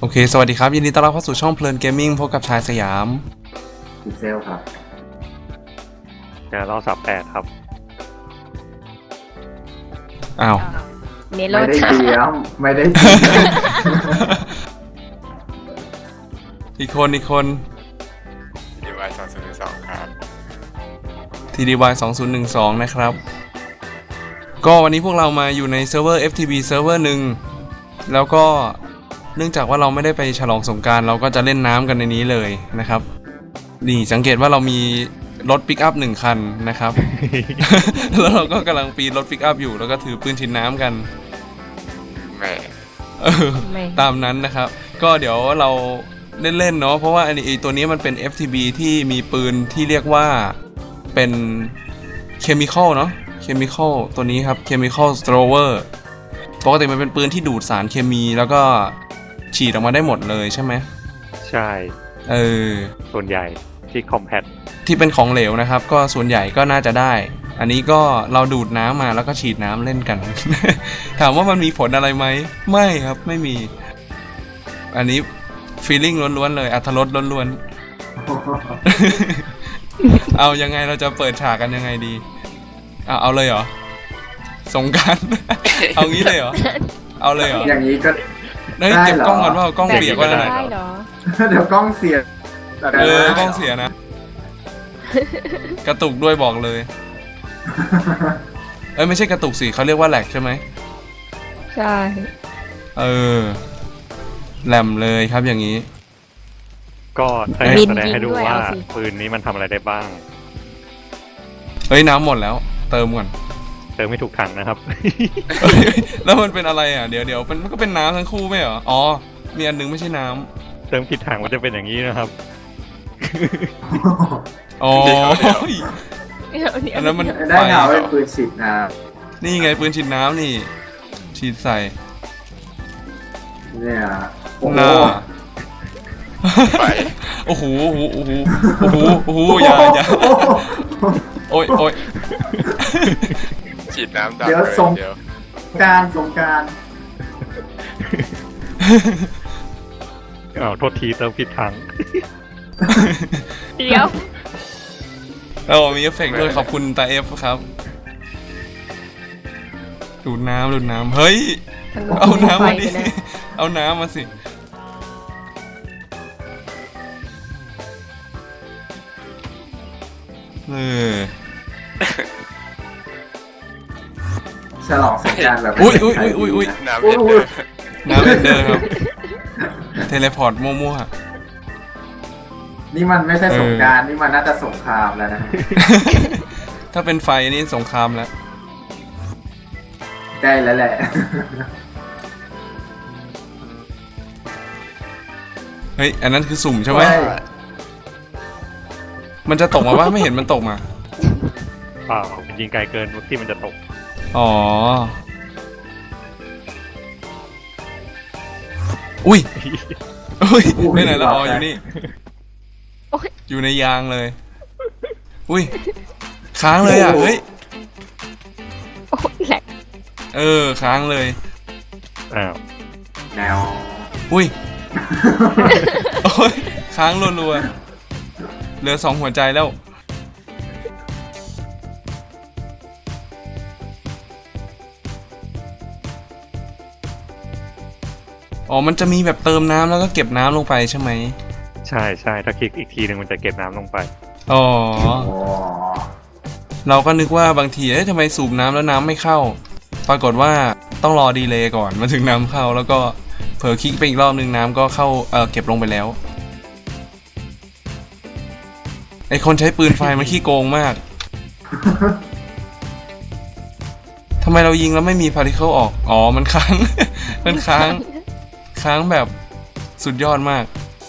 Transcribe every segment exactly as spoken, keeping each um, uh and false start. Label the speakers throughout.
Speaker 1: โอเคสวัสดีครับยินดีต้อนรับเข้าสู่ช่องเพลินเกมมิ่งพบกับชายสยาม
Speaker 2: ดีเซลครับ
Speaker 3: เดี๋ยวเราสับแปดครับ
Speaker 1: อ้าว
Speaker 2: เมโลไม่ได้เตรียมไม่ได้เตรียม
Speaker 1: อีกคนอีกคน
Speaker 4: ที ดี วาย สองศูนย์หนึ่งสองครับ
Speaker 1: ที ดี วาย สองศูนย์หนึ่งสองนะครับก็วันนี้พวกเรามาอยู่ในเซิร์ฟเวอร์ เอฟ ที บี เซิร์ฟเวอร์หนึ่งแล้วก็เนื่องจากว่าเราไม่ได้ไปฉลองสงกรานต์เราก็จะเล่นน้ำกันในนี้เลยนะครับนี่สังเกตว่าเรามีรถปิกอัพหนึ่งคันนะครับ แล้วเราก็กำลังปีนรถปิกอัพอยู่แล้วก็ถือปืนฉีดน้ำกัน
Speaker 4: แม่
Speaker 1: ตามนั้นนะครับก็เดี๋ยวเราเล่นๆเนาะเพราะว่าอันนี้ตัวนี้มันเป็น เอฟ ที บี ที่มีปืนที่เรียกว่าเป็นเคมีคอลเนาะเคมีคอลตัวนี้ครับเคมีคอลสโตรเวอร์ปกติมันเป็นปืนที่ดูดสารเคมีแล้วก็ฉีดออกมาได้หมดเลยใช่ไหม
Speaker 3: ใช่
Speaker 1: เออ
Speaker 3: ส่วนใหญ่ที่คอมแพต
Speaker 1: ที่เป็นของเหลวนะครับก็ส่วนใหญ่ก็น่าจะได้อันนี้ก็เราดูดน้ำมาแล้วก็ฉีดน้ำเล่นกัน ถามว่ามันมีผลอะไรไหมไม่ครับไม่มีอันนี้ฟีลลิ่งล้วนๆเลยอรรถรสล้วนๆ เอายังไงเราจะเปิดฉากกันยังไงดีเอาเอาเลยเหรอสงกรานต์ เอางี้เลยเหรอเอาเลยเหรอ
Speaker 2: อย่างนี้ก็
Speaker 1: เฮ้ยเก็บกล้องก่อนว่ากล้องเปียกว่าอะไร
Speaker 2: เดี๋ยวกล้องเสีย
Speaker 1: เออกล้องเสียนะกระตุกด้วยบอกเลยเอ้ยไม่ใช่กระตุกสิเขาเรียกว่าแหลกใช่ไหม
Speaker 5: ใช่
Speaker 1: เออแหลมเลยครับอย่างนี้
Speaker 3: ก็แสดงให้ดูว่าปืนนี้มันทำอะไรได้บ้าง
Speaker 1: เฮ้ยน้ำหมดแล้วเติมก่อน
Speaker 3: เติมไม่ถูกถังนะครับ
Speaker 1: แล้วมันเป็นอะไรอ่ะเดี๋ยวเดี๋ยวมันก็เป็นน้ำทั้งคู่ไม่เหรออ๋อมีอันนึงไม่ใช่น้
Speaker 3: ำเติมผิดถังมันจะเป็นอย่างนี้นะครับ
Speaker 1: อ๋ออันนั้นมัน
Speaker 2: ได้เงาเป็นปืนฉีดน้
Speaker 1: ำนี่ไงปืนฉีดน้ำนี่ฉีดใส่
Speaker 2: เนี่ย
Speaker 1: หน้า
Speaker 4: ไป
Speaker 1: โอ้โหโอ้โหโอ้โหโอ้โหโอ้โหอย่าอย่าโอ้ยโอ้ย
Speaker 4: ฉีดน้ำดับ
Speaker 2: เดี๋ยวสงการสงการ
Speaker 3: อ้าวโทษทีเติมผิดถัง
Speaker 5: เดี๋ยว
Speaker 1: เรามีเอฟเฟกต์ด้วยขอบคุณตาเอฟครับดูดน้ำดูดน้ำเฮ้ยเอาน้ำมาดิเอาน้ำมาสิเออ
Speaker 2: ฉลองสงกรานต์แบบ
Speaker 1: อุ้ยอุ้ยอุ้ยอุ้ยอุ้ย
Speaker 4: น้ำเอ็นเดอร์
Speaker 1: น้ำเอ็นเดอร์ครับเทเลพอร์ตมั่ว
Speaker 2: ๆนี่มันไม่ใช่สงกรานต์นี่มันน่าจะสงครามแล้วนะ
Speaker 1: ถ้าเป็นไฟนี่สงครามแล้ว
Speaker 2: ใกล้แล้วแหละ
Speaker 1: เฮ้ยอันนั้นคือสุ่มใช่ไหมมันจะตกมาว่าไม่เห็นมันตกมา
Speaker 3: เปล่าเป็นยิงไกลเกินที่มันจะตก
Speaker 1: อ๋ออุ้ยอุ้ยไปไหนละอ๋ออยู่นี่อยู่ในยางเลยอุ้ยค้างเลยอ่ะเฮ้ยเออค้างเลย
Speaker 3: อ้าว
Speaker 2: แนว
Speaker 1: อุ้ยโอ้ยค้างรัวๆเหลือสองหัวใจแล้วอ๋อมันจะมีแบบเติมน้ำแล้วก็เก็บน้ำลงไปใช่ไหม
Speaker 3: ใช่ใช่ถ้าคลิกอีกทีหนึ่งมันจะเก็บน้ำลงไป
Speaker 1: อ๋อเราก็นึกว่าบางทีเอ๊ะทำไมสูบน้ำแล้วน้ำไม่เข้าปรากฏว่าต้องรอดีเลย์ก่อนมาถึงน้ำเข้าแล้วก็เผลอคลิกไปอีกรอบนึงน้ำก็เข้าเออเก็บลงไปแล้วไอคนใช้ปืนไฟมันขี้โกงมากทำไมเรายิงแล้วไม่มีพาร์ติเคิลออกอ๋อมันค้างมันค้างค้างแบบสุดยอดมาก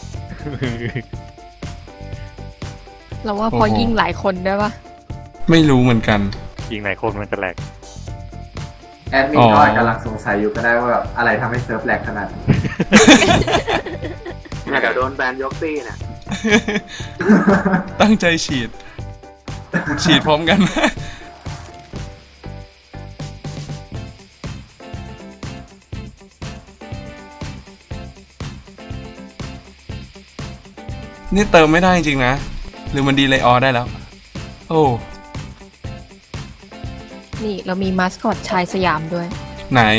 Speaker 5: เราว่าพอยิงหลายคนได้ปะ
Speaker 1: ไม่รู้เหมือนกัน
Speaker 3: ยิงหลายคนมันจะแหลก
Speaker 2: แอดมินก็กำลังสงสัยอยู่ก็ได้ว่าแบบอะไรทำให้เซิร์ฟแหลกขนาดนี้เดี๋ยวโดนแบนยกตี้นะ
Speaker 1: ตั้งใจฉีดฉีดพร้อมกันนี่เติมไม่ได้จริงๆนะ หรือมันดีเลยออได้แล้ว โอ้
Speaker 5: นี่เรามีมาสคอตชายสยามด้วย
Speaker 1: ไหน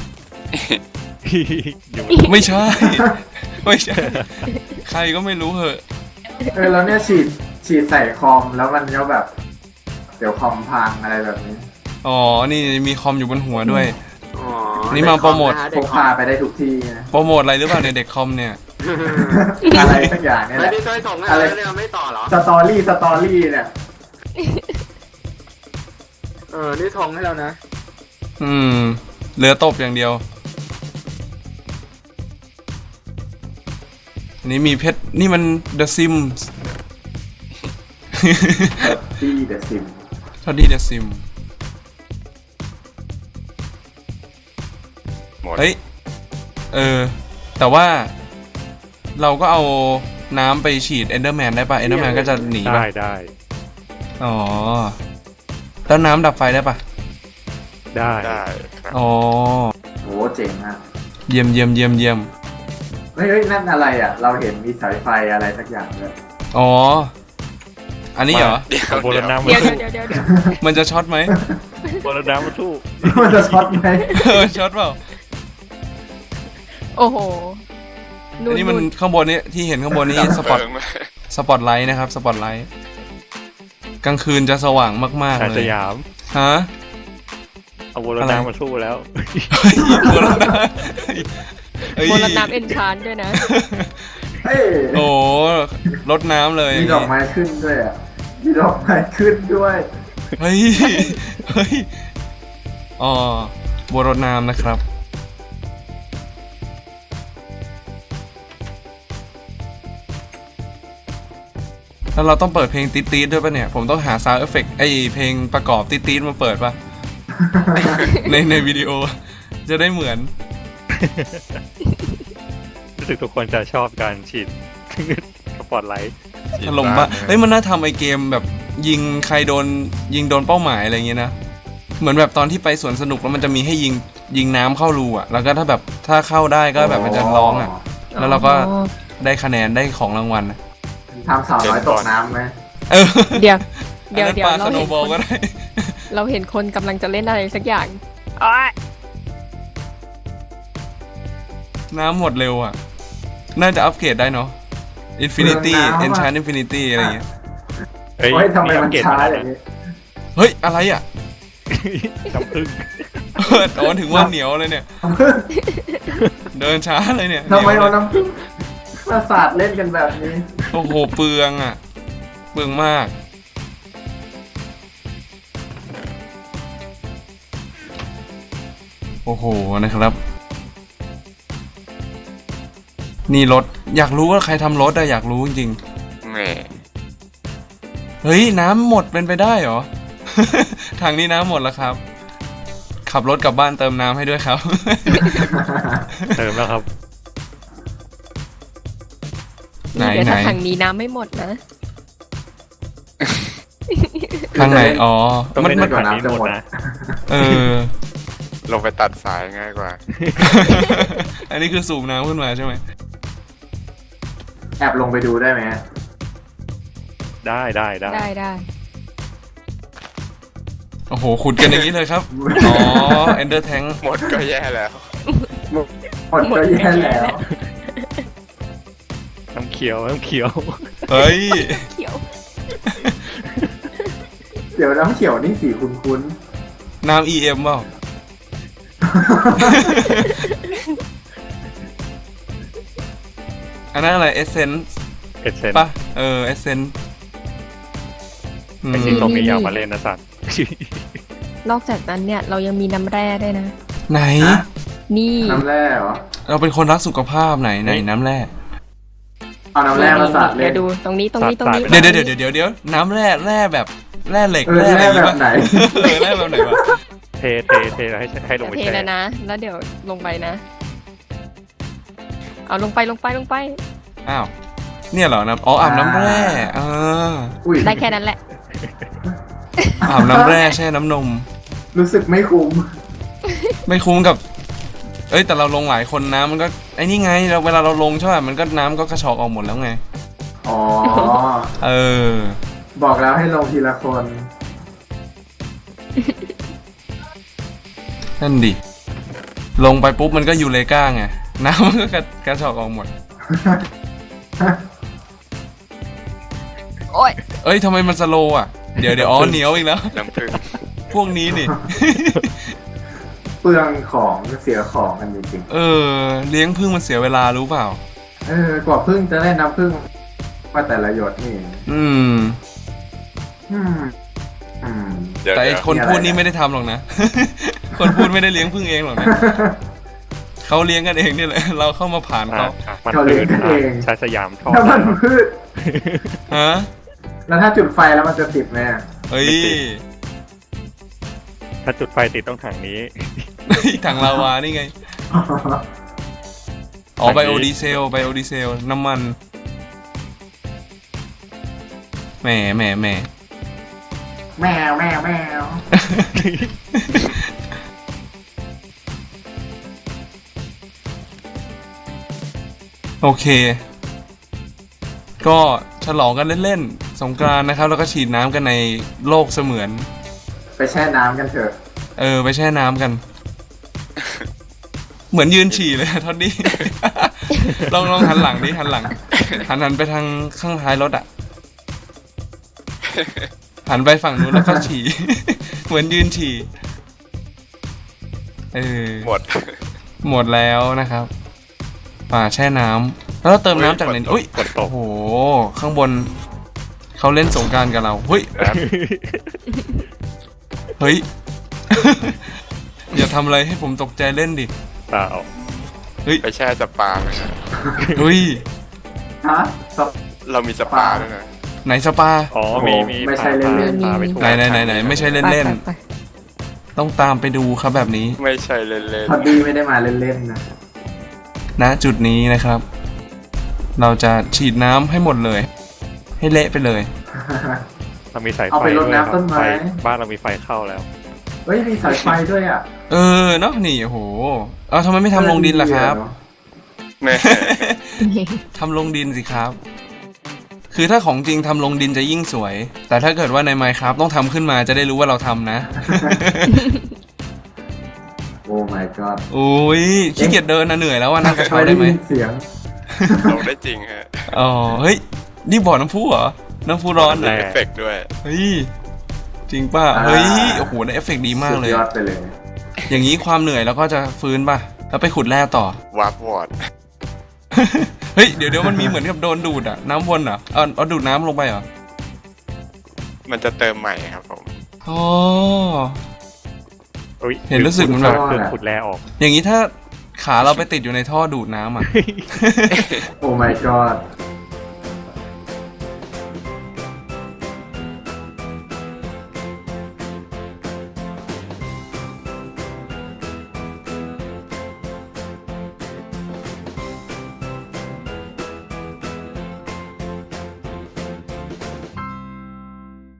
Speaker 3: อยู่
Speaker 1: ไม่ใช่ ไม่ใช่ ใครก็ไม่รู้เหอะ
Speaker 2: เออแล้วเนี่ยฉีดฉีดใส่คอมแล้วมันก็แบบ เดี๋ยวคอมพังอะไรแบบนี้
Speaker 1: อ๋อ นี่มีคอมอยู่บนหัวด้วย
Speaker 6: อ๋อ
Speaker 1: นี่มาโปรโมท
Speaker 2: พกพาไปได้ทุกที่นะ
Speaker 1: โปรโมทอะไรหรือเปล่าในยเด็กคอมเนี่ย
Speaker 2: อะไรสักอย่างเนี่ยแห
Speaker 6: แล้ว
Speaker 2: ละ
Speaker 6: นี่ต้อยส่งให้
Speaker 2: อะไร
Speaker 6: แล้วเนี่ยไม่ต่อเหรอ
Speaker 2: สตอรี่สตอรี่เนี่ย
Speaker 6: เออ นี่ทงให้แล้วนะ
Speaker 1: อืม เหลือตบอย่างเดียว อันนี้มีเพชร นี่มัน The Sims
Speaker 2: ที่เดอะซิม
Speaker 1: ทอดดี้ The Sims
Speaker 4: หมด
Speaker 1: เฮ้ย เออ แต่ว่าเราก็เอาน้ำไปฉีด Enderman ได้ปะ Enderman ก็จะหนี
Speaker 3: ได้
Speaker 1: ปะ
Speaker 3: ได้
Speaker 1: อ๋อ แล้วน้ำดับไฟได้ปะ
Speaker 3: ได้
Speaker 4: ได้ครับ
Speaker 1: อ๋อ
Speaker 2: โหเจ๋งมาก
Speaker 1: เยี่ยมเยี่ยมเยี่ยมเยี่ยม
Speaker 2: เฮ้ยเฮ้ยนั่นอะไรอ่ะ เราเห็นมีสายไฟอะไรสักอย่างเลย
Speaker 1: อ๋อ อันนี้เหรอ
Speaker 4: เดี๋ยว
Speaker 3: เอาโบ
Speaker 4: เดี๋
Speaker 3: รา
Speaker 4: ยว
Speaker 3: ณน้ำมา
Speaker 5: เดี๋ยว
Speaker 3: สู้
Speaker 5: เดี๋ยวเดี๋ยวเดี๋ยว
Speaker 1: มันจะช็อตไหม
Speaker 3: โบราณน้ำมาสู้
Speaker 2: มันจะช็อตไหม
Speaker 1: เออช็อตเปล่า
Speaker 5: โอ้โห
Speaker 1: อันนี้มันข้างบนนี้ที่เห็นข้างบนนี้สปอต
Speaker 4: เพิ่งมา
Speaker 1: สปอตไลท์นะครับ สปอตไลท์ กลางคืนจะสว่างมาก
Speaker 3: ชา
Speaker 1: ๆ
Speaker 3: ย
Speaker 1: เล
Speaker 3: ส
Speaker 1: ย
Speaker 3: ยาม
Speaker 1: ฮะ
Speaker 3: เอาโบราณน้ำมาสู้แล้ว
Speaker 1: เฮ้ยโบราณน้ำเฮ้ย
Speaker 5: โบราณน้ำเอนชานด้วยนะ
Speaker 2: เฮ้ย
Speaker 1: โอ้รดน้ำเลย
Speaker 2: มีดอกไม้ขึ้นด้วยอ่ะมีดอกไม้ขึ้นด้วย
Speaker 1: เฮ้ย เฮ้ย อ๋อโบรดน้ำนะครับ แล้วเราต้องเปิดเพลงติ๊ดๆด้วยป่ะเนี่ย ผมต้องหาซาวด์เอฟเฟกต์ไอเพลงประกอบติ๊ดๆมาเปิดป่ะ ในในวิดีโอ จะได้เหมือน
Speaker 3: รู้สึกทุกคนจะชอบการฉีด สปอตไลท์
Speaker 1: ถล่มปะเฮ้ยมันน่าทำไอเกมแบบยิงใครโดนยิงโดนเป้าหมายอะไรอย่างเงี้ยนะ เหมือนแบบตอนที่ไปสวนสนุกแล้วมันจะมีให้ยิงยิงน้ำเข้ารูอ่ะ แล้วก็ถ้าแบบถ้าเข้าได้ก็แบบมันจะร้องอ่ะ แล้วเราก็ได้คะแนนได้ของรางวัลอะ
Speaker 2: ทำสาวน้อยตกน้ำไหม
Speaker 1: เออ
Speaker 5: เดี๋ยว
Speaker 1: อัน
Speaker 5: เดี๋ยว
Speaker 1: นั้น
Speaker 5: เดี๋ย
Speaker 1: ป
Speaker 5: ว
Speaker 1: ลาส
Speaker 5: เรา
Speaker 1: โน
Speaker 5: เห็น
Speaker 1: ว์บอล
Speaker 5: ค
Speaker 1: ก็
Speaker 5: น
Speaker 1: ได้
Speaker 5: เราเห็นคนกำลังจะเล่นอะไรสักอย่างอ้อย
Speaker 1: น้ำหมดเร็วอ่ะ น่าจะอัปเกรดได้เนาะ Infinity Enchant Infinity อะไรอย่างเงี้ย
Speaker 3: เฮ้ย
Speaker 2: โอ้ยทำไมมัน
Speaker 3: เกต
Speaker 2: ช้า
Speaker 3: มา
Speaker 2: อ
Speaker 3: แล้ว
Speaker 2: ย่าง
Speaker 3: นะ
Speaker 2: นี้
Speaker 1: เฮ้ย อะไรอ่ะ
Speaker 3: น้ำผึ้ง
Speaker 1: โอ้ถึงว่าเหนียวเลยเนี่ย เดินช้าเลยเนี่ย
Speaker 2: ทำไม
Speaker 1: หนี
Speaker 2: เอา
Speaker 1: ยวเลย
Speaker 2: น้ำผึ้งมาสาดเล่นกันแบบนี้
Speaker 1: โอ้โห เปลืองอ่ะ เปลืองมาก โอ้โห นะครับ นี่รถ อยากรู้ว่าใครทำรถอะอยากรู้จริง
Speaker 4: แหม่
Speaker 1: ๆ เฮ้ย น้ำหมดเป็นไปได้เหรอ ทางนี้น้ำหมดแล้วครับ ขับรถกลับบ้านเติมน้ำให้ด้วยครับ
Speaker 3: เติมแล้วครับ
Speaker 1: ไหน
Speaker 5: เดี๋ยว
Speaker 1: ไหน
Speaker 5: ถ้าถังนี้น้ำไม่หมดนะ
Speaker 1: ทางไหน อ๋อ
Speaker 3: ต้อง
Speaker 1: มัน
Speaker 3: เล่น
Speaker 1: มัน
Speaker 3: ก่อนนี้หมดนะ
Speaker 1: เออ
Speaker 4: ลงไปตัดสายง่ายกว่า
Speaker 1: อันนี้คือสูบน้ำขึ้นมาใช่ไหม
Speaker 2: แอบลงไปดูได้ไหม
Speaker 3: ได้ได้ได้
Speaker 5: ได้ได้
Speaker 1: โอ้โห ขุดกันอย่างนี้เลยครับ อ๋อ Ender Tank
Speaker 4: หมดก็แย่แล้ว
Speaker 2: หมดก็แย่แล้ว
Speaker 3: น้ำเขียวน้ำเขียว
Speaker 1: เฮ้ย
Speaker 5: เขียว
Speaker 2: เดี๋ยวน้ำเขียวนี่สีคุ้น
Speaker 1: น้ำ อี เอ็ม เปล่า อันนั้นอะไร Essence
Speaker 3: เอเซน
Speaker 1: ป่ะ เออ Essence อืม
Speaker 3: ไอ้ที่ตรงนี้อยากมาเล่นนะสัตว์
Speaker 5: นอกจากนั้นเนี่ยเรายังมีน้ำแร่ด้วยนะ
Speaker 1: ไหน
Speaker 2: ๆฮะ
Speaker 5: นี่
Speaker 2: น้ำแร่เหรอ
Speaker 1: เราเป็นคนรักสุขภาพไหนไหนน้ำแร่
Speaker 2: เอาน้ำแร่มาสาดเล่
Speaker 5: เดี๋ย
Speaker 2: น
Speaker 5: วดูตรงนี้ตรงนี้ตรงนี้
Speaker 1: เดี๋ยวเดี๋ยวเดี๋ยวเดี๋ยวเดี๋ยวน้ำแร่แร่แบบแร่เหล็ก
Speaker 2: เออ
Speaker 1: แร่อะไรอย่างงี้
Speaker 2: แร่แบบไหน
Speaker 1: เออแร่แบบไหนวะ
Speaker 3: เทเทเทแล้วให้ให้ลงไป
Speaker 5: เท
Speaker 3: แช่
Speaker 5: แล้วนะ แล้วเดี๋ยวลงไปนะ เอาลงไปลงไปลงไป
Speaker 1: อ้าว เนี่ยเหรอน้ำอ๋ออาบน้ำแร่อ่า
Speaker 2: อุ้ย
Speaker 5: ได้แค่นั้นแหละ
Speaker 1: อาบน้ำแร่แช่น้ำนม
Speaker 2: รู้สึกไม่คุ้ม
Speaker 1: ไม่คุ้มกับ เอ้ยแต่เราลงหลายคนน้ำมันก็ไอ้นี่ไงเราเวลาเราลงใช่ป่ะมันก็น้ำก็กระชอกออกหมดแล้วไง
Speaker 2: อ๋อ
Speaker 1: เออ
Speaker 2: บอกแล้วให้ลงทีละคน
Speaker 1: นั่นดิ ลงไปปุ๊บมันก็ยูเลก้าไง น้ำมันก็กระกระชอกออกหมด
Speaker 5: โอ้ย
Speaker 1: เอ้ยทำไมมันสโลว์อ่ะ เดี๋ยวเดี๋ยวอ๋อเหนียวอีกแล้ว
Speaker 4: น้ำผึ้ง
Speaker 1: พวกนี้นี่
Speaker 2: เปลืองของเสียของกันจริง
Speaker 1: เออ เลี้ยงพึ่งมันเสียเวลารู้เปล่า
Speaker 2: ๆเออกว่าพึ่งจะได้น้ำพึ่งมาแต่ละหยดนี่
Speaker 1: อืม
Speaker 2: อืมอืม
Speaker 4: เดี๋ยว
Speaker 1: แต่ไอ
Speaker 4: เดี๋ยว
Speaker 1: คนพูดนี่ไม่ได้ทำหรอกนะ คนพูดไม่ได้เลี้ยงพึ่งเองหรอกนะ เขาเลี้ยงกันเองนี่แหละ เราเข้ามาผ่าน
Speaker 3: อ่ะ
Speaker 1: เขา
Speaker 3: มัน
Speaker 2: เขา
Speaker 3: ปื
Speaker 2: เลี้ยง
Speaker 3: น
Speaker 2: กันเอง
Speaker 3: ใช้สยามท่อ
Speaker 2: น้ำมันพืช
Speaker 1: ฮะ
Speaker 2: แล้วถ้าจุดไฟแล้วมันจะติดไหมอะ
Speaker 1: เฮ้ย
Speaker 3: ถ้าจุดไฟติดต้องถังนี้
Speaker 1: ถังลาวานี่ไง อ๋อไบโอดีเซลไบโอดีเซล น้ำมัน แหมแหมแหม
Speaker 2: แมวแมวแมว
Speaker 1: โอเค ก็ฉลองกันเล่นๆ สงกรานต์นะครับ แล้วก็ฉีดน้ำกันในโลกเสมือน
Speaker 2: ไปแช่น้ำกันเถอะ
Speaker 1: เออ ไปแช่น้ำกัน เหมือนยืนฉี่เลยอะทอดดี้ ลองลองหันหลังดิหันหลัง หันหันไปทางข้างท้ายรถอ่ะ หันไปฝั่งนู้นแล้วก็ฉี่ เหมือนยืนฉี่ เออ
Speaker 4: หมด
Speaker 1: หมดแล้วนะครับ ป่าแช่น้ำแล้วเราเติมน้ำจากไหน
Speaker 4: อุ๊
Speaker 1: อุ้ย
Speaker 4: ย
Speaker 3: ฝนต
Speaker 1: โอ้
Speaker 3: ก
Speaker 1: โห ข้างบน เขาเล่นสงกรานต์กับเราเฮ้ย
Speaker 4: แอด
Speaker 1: เฮ้ย อย่าทำอะไรให้ผมตกใจเล่นดิ
Speaker 3: เปล่า
Speaker 1: เฮ้ย
Speaker 4: ไปแช่สปาไหมนะ
Speaker 1: เฮ้ย
Speaker 2: ฮะสป
Speaker 4: เรามีสปาด้วยนะ
Speaker 1: ไหนสปา
Speaker 3: อ๋อ มี มี
Speaker 2: ไม่ใช่เล่นๆ
Speaker 3: พาไปทัว
Speaker 1: ไหน
Speaker 3: ร์
Speaker 1: ไหนไหนไหนไม่ใช่เล่น
Speaker 5: ไป
Speaker 1: เล่น
Speaker 5: ไปไป
Speaker 1: ต้องตามไปดูครับแบบนี้
Speaker 4: ไม่ใช่เล่น
Speaker 2: พอดีไม่ได้มาเล่นๆนะ
Speaker 1: ณจุดนี้นะครับ เราจะฉีดน้ำให้หมดเลย ให้เละไปเลย
Speaker 3: เรามีสายไฟ
Speaker 2: เอาไปรด
Speaker 3: ด้วย
Speaker 2: น้ำต้นไม้
Speaker 3: ไฟบ้านเรามีไฟเข้าแล้ว
Speaker 2: เฮ้ยมีสายไฟด้วยอ่ะ
Speaker 1: เออเนาะนี่โอ้โหเอาทำไมไม่ทำลงดินล่ะครับ
Speaker 4: ๆแม่
Speaker 1: ทำลงดินสิครับ คือถ้าของจริงทำลงดินจะยิ่งสวย แต่ถ้าเกิดว่าใน Minecraft ต้องทำขึ้นมาจะได้รู้ว่าเราทำนะ
Speaker 2: โอ้ my god
Speaker 1: โอ้ยขี้เกียจเดินนะเหนื่อยแล้วว่านั่งกระเช้า
Speaker 2: ไม่
Speaker 1: ได้ไหม
Speaker 2: ยินเสียง
Speaker 4: ลงได้จริงฮะ
Speaker 1: อ๋อเฮ้ยนี่บ่อน้ำพุเหรอน้ำพุร้อน
Speaker 3: แร
Speaker 4: เอฟเฟกต์ด้วย
Speaker 1: เฮ้ยจริงป่ะ
Speaker 2: อ่า
Speaker 1: เฮ้ยโอ้โหได้เอฟเฟกต์ดีมากเลย
Speaker 2: สุดยอดไปเลย
Speaker 1: อย่างนี้ความเหนื่อยแล้วก็จะฟื้นป่ะแล้วไปขุดแร่ต่อ
Speaker 4: วาร์ปวอร์ด
Speaker 1: เฮ้ยเดี๋ยวเดี๋ยวมันมีเหมือนกับโดนดูดอะน้ำวนเหรอเอาเอาดูดน้ำลงไปเหรอ
Speaker 4: มันจะเติมใหม่ครับผม
Speaker 1: อ๋อ
Speaker 3: อุ๊ย
Speaker 1: เห็นรู้สึกเหมือนแบบ
Speaker 3: เครื่องขุดแร่ออก
Speaker 1: อย่างนี้ถ้าขาเราไปติดอยู่ในท่อดูดน้ำอะ
Speaker 2: โอ้ my god